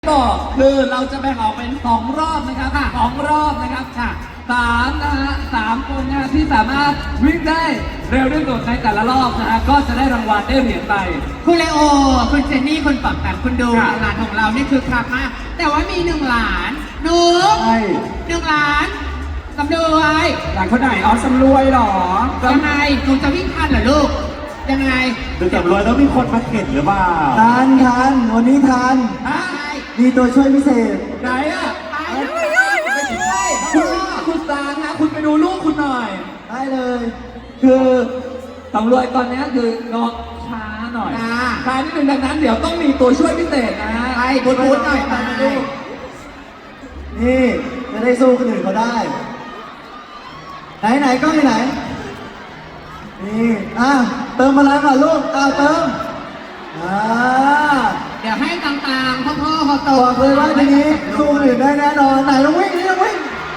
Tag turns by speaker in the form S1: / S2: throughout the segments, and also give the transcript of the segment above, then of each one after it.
S1: บอกคือเราจะแบ่งออกเป็น2รอบนะครับ2รอบนะครับ3นะฮะ3คนนะที่สามารถวิ่งได้เร็วที่สุดในแต่ละรอบนะฮะก็จะได้รางวัลได้เหรียญไป
S2: คุณเลโอคุณเจนนี่คุณปักแบบคุณดูหลานของเรานี่คือคลักมากแต่ว่ามี1 หลานหนู1 หลานสำรวย
S3: หลานคนไหนอ๋อสำรวยหรอ
S2: ยังไงหนูจะวิ่งทันเหรอลูกยังไง
S4: ดูสำรวยต้องมีคนมาเข็นหรือเปล่า
S5: ทันวันนี้ทันมีตัวช่วยพิเศษ
S1: ไหนอ่ะคุณตานะคุณไปดูลูกคุณหน่อย
S5: ได้เลย
S1: คือสำรวยตอนนี้คือน้องช้าหน่อยช้านิดนึงดังนั้นเดี๋ยวต้องมีตัวช่วยพิเศษนะ
S2: ไปพูดหน่อยมาดู
S5: นี่จะได้สู้คนอื่นเขาได้ไหนก็ไหนนี่เติมพลังก่อนลูกเติม
S2: เดี๋ยวให้ต่างๆพ่อเขาโต
S5: บอกเลยว่าทีนี้สู้คนอื่นได้แน่นอนไหนลองวิ่งวิ่ง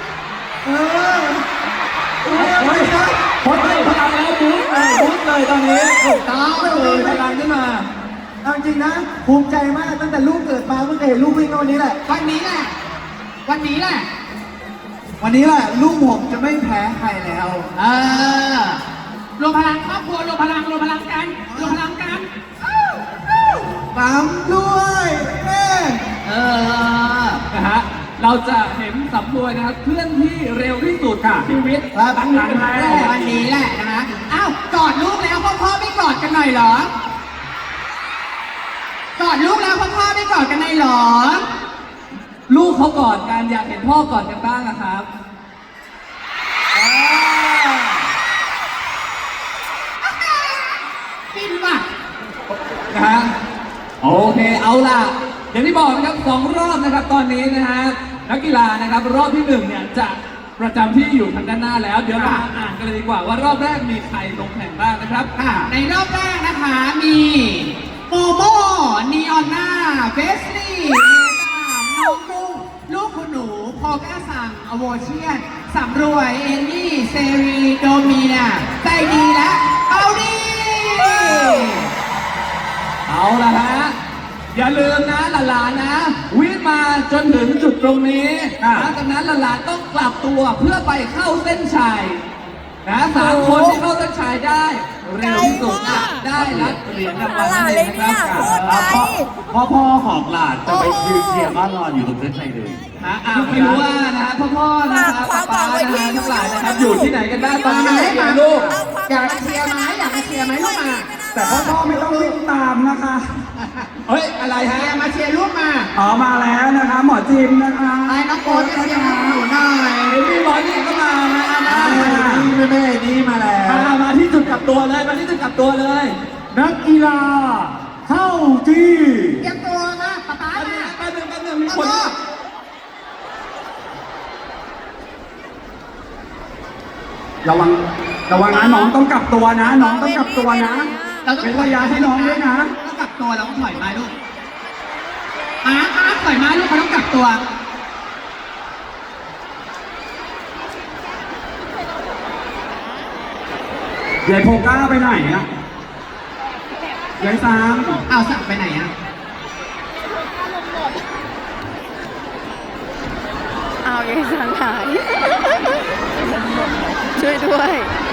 S1: พอได้พลังแล้วบู๊เลยตอนนี้
S2: ถูกต้อง
S1: เลยพลังขึ้นมา
S5: จริงนะภูมิใจมากตั้งแต่ลูกเกิดมาเพิ่งเห็นลูกวิ่งวันนี้แหละ
S2: วันนี้แหละ
S5: ลูกผมจะไม่แพ้ใครแล้ว
S2: รวมพลังครอบครัวรวมพลังกัน
S5: ปั๊มด้วยแม่
S1: นะฮะเราจะเห็นสำรวยนะครับเคลื่อนที่เร็วที่สุดชีวิต
S5: ตั้งแต่
S2: วันนี้แหละนะกอดลูกแล้วพ่อไม่กอดกันหน่อยเหรอกอดลูกแล้วพ่อไม่กอดกันหน่อยเหรอ
S1: ลูกเขากอดกันอยากเห็นพ่อกอดกันบ้างนะครับ
S2: ฟินว่ะ
S1: นะฮะโอเคเอาล่ะอย่างที่บอกนะครับ2 รอบนะครับตอนนี้นะฮะนักกีฬานะครับรอบที่1เนี่ยจะประจำที่อยู่ทางด้านหน้าแล้วเดี๋ยวมาอ่านกันเลยดีกว่าว่ารอบแรกมีใครลงแข่งบ้างนะครับ
S2: ในรอบแรกนะคะมีโมโมนีออนนาเวสลีย์น้องกุ้งลูกคุณหนูพอก้าสั่งอโวเชียนสำรวยเอนี่เซรีโดมีนาใจดีและเอาดี
S1: เอาล่ะฮะอย่าลืมนะหลานๆนะวิ่งมาจนถึงจุดตรงนี้หลังจากนั้นหลานๆต้องกลับตัวเพื่อไปเข้าเส้นชัยนะ3 คนที่เข้าเส้นชัยได้เร็วที่สุดได้รับเหรียญรางวัลนั่นเองนะครับ
S4: พ่อของหลานจะไปยืนเชียร์บ้านรอนอยู่ตรงเส้นชัยเลย
S1: ไม่รู้ว่านะพ่อนะครับป้านะทั้งหลายนะครับอยู่ที่ไหนกันบ้างตอนนี้ลูก
S2: อยากมาเชียร์ไหมลูกมา
S3: แต่พ่อไม่ต้องวิ่งตามนะคะ
S1: เฮ้ยอะไรฮะ
S2: มาเชียร์ลูกมา
S3: มาแล้วนะคะหมอจิมนะคะ
S2: ไอ้น้องโอ๊ตจะเชียร์หนูหน่อย
S1: พี่หมอจิมก็มา
S5: แม่นี่มาแล้ว
S1: มาที่จุดกลับตัวเลย
S5: นักกีฬาเข้าที่
S2: เตรียมตัวนะป๊า
S1: แป๊บนึงมีคน
S3: ระวังนะน้องต้องกลับตัวนะเป็นระยะให้น้องด้วยนะ
S2: ต้องกลับตัวแล้วก็ถอยมาลูกถอยมาลูกเขาต้องกลับตัว
S3: ยายโพก้าไปไหนอ่ะยายซัง
S2: สั่งไปไหนอ่ะ
S6: ยายซังหายช่วยด้วย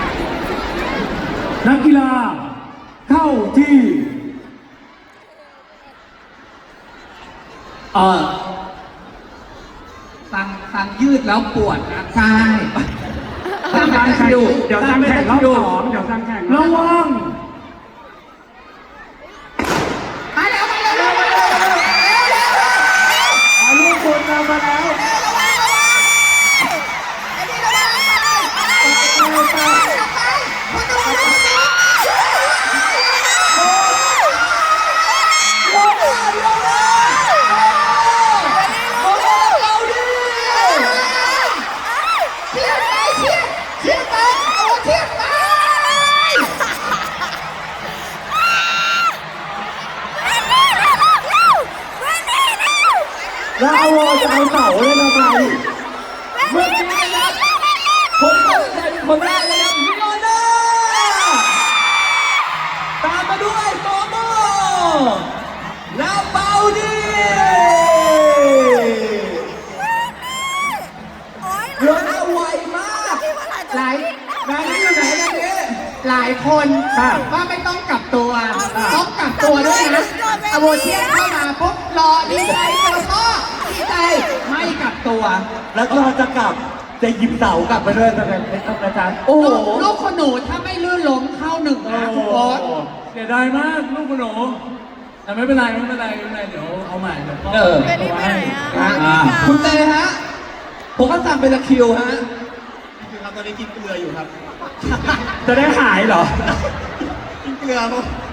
S5: นักกีฬาเข้าที่
S1: ตังยืดแล้วปวดนะ
S2: ใช่
S3: เดี๋ยวซังแข่งรอบ2เดี๋ยวซังแข่ง
S5: ระวัง
S2: มาแล้ว
S5: ลูกคนมาแล้วแล้วจะเอาเต่าเลยทำไม
S1: เมื่อกี้นะครับคนแรกเลยนะมิโนน่าตามมาด้วยโมโมแล้วเบาดี
S2: นว่าไม่ต้องกลับตัวต้องกลับตัวด้วยนะอโวเชียนเข้ามาปุ๊บรอดีใจแล้วก็ดีใจไม่กลับตัว
S5: แล้วก็จะกลับจะหยิบเสากลับไปด้วยนะครับอาจารย์โอ้โห
S2: ลูกคนหนูถ้าไม่ลื่นล้มเข้าหนึ่งนะคุณโอ๊ต
S4: เสียดายมากลูกคุณหนูแต่ไม่เป็นไรไม่เป็นไรไม่เป็นไรเดี๋ยวเอาใหม่เดี๋ยวก็
S6: เบลลี่ไปไหนอ่ะ
S1: อ่ะคุณเตฮะ ผมก็สั่งเป็นตะคริวฮะ
S3: จะได้หายเหรอ
S5: กินเกลือป่ะ